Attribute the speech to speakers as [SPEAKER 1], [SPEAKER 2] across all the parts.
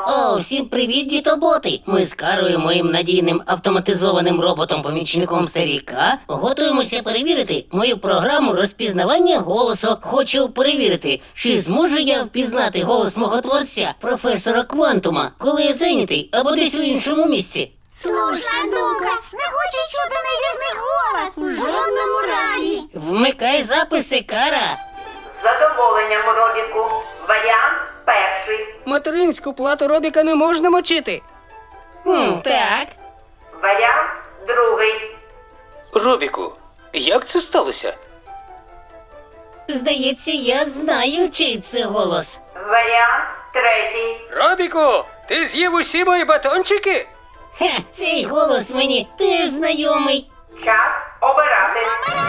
[SPEAKER 1] О, всім привіт, дітоботи! Ми з Карою, моїм надійним автоматизованим роботом-помічником Старіка, готуємося перевірити мою програму розпізнавання голосу. Хочу перевірити, чи зможу я впізнати голос мого творця, професора Квантума, коли я зайнятий або десь у іншому місці.
[SPEAKER 2] Слушна думка, не хочу чути невірний голос у жодному разі.
[SPEAKER 1] Вмикай записи, Кара!
[SPEAKER 3] З задоволенням, Робіку. Варіант перший.
[SPEAKER 4] Материнську плату Робіка не можна мочити.
[SPEAKER 1] Так.
[SPEAKER 3] Варіант другий.
[SPEAKER 4] Робіку, як це сталося?
[SPEAKER 1] Здається, я знаю, чий це голос.
[SPEAKER 3] Варіант третій.
[SPEAKER 4] Робіку, ти з'їв усі мої батончики?
[SPEAKER 1] Ха, цей голос мені теж знайомий.
[SPEAKER 3] Час обирати.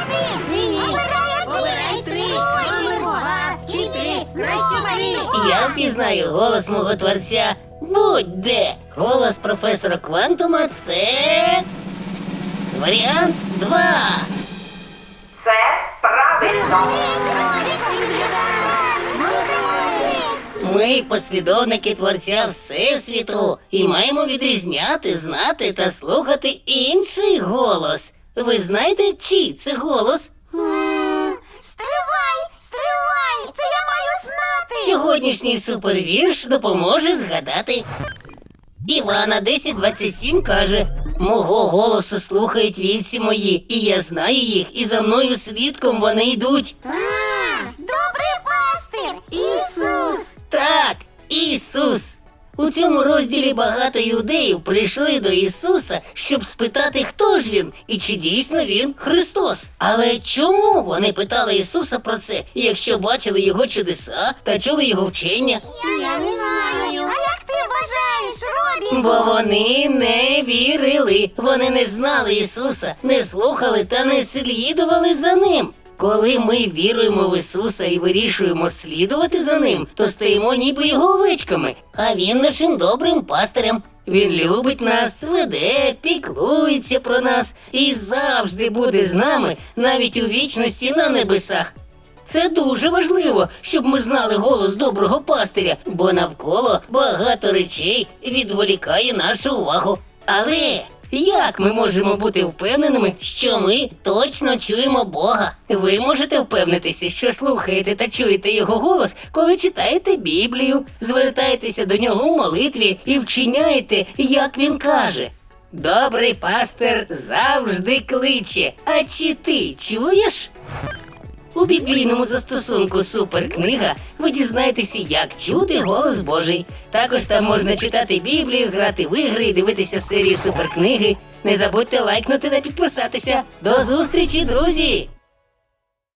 [SPEAKER 2] Обирай три. Номер 2 чи 3. Краще бери.
[SPEAKER 1] Я впізнаю голос мого творця будь-де. Голос професора Квантума – це... варіант 2.
[SPEAKER 3] Це правильно.
[SPEAKER 1] Ми послідовники творця Всесвіту і маємо відрізняти, знати та слухати інший голос. Ви знаєте, чий це голос?
[SPEAKER 2] Стривай, це я маю знати.
[SPEAKER 1] Сьогоднішній супервірш допоможе згадати. Івана 1027 каже: «Мого голосу слухають вівці мої, і я знаю їх, і за мною слідком вони йдуть».
[SPEAKER 2] Добрий пастир, Ісус.
[SPEAKER 1] Так, Ісус. У цьому розділі багато юдеїв прийшли до Ісуса, щоб спитати, хто ж він і чи дійсно він Христос. Але чому вони питали Ісуса про це, якщо бачили його чудеса та чули його вчення?
[SPEAKER 2] Я не знаю. А як ти вважаєш, Робі?
[SPEAKER 1] Бо вони не вірили, вони не знали Ісуса, не слухали та не слідували за Ним. Коли ми віруємо в Ісуса і вирішуємо слідувати за Ним, то стаємо ніби Його овечками, а Він нашим добрим пастирем. Він любить нас, веде, піклується про нас і завжди буде з нами, навіть у вічності на небесах. Це дуже важливо, щоб ми знали голос доброго пастиря, бо навколо багато речей відволікає нашу увагу. Але як ми можемо бути впевненими, що ми точно чуємо Бога? Ви можете впевнитися, що слухаєте та чуєте Його голос, коли читаєте Біблію, звертаєтеся до Нього у молитві і вчиняєте, як Він каже. Добрий пастир завжди кличе. А чи ти чуєш? У біблійному застосунку «Суперкнига» ви дізнаєтеся, як чути голос Божий. Також там можна читати Біблію, грати в ігри і дивитися серії «Суперкниги». Не забудьте лайкнути та підписатися. До зустрічі, друзі!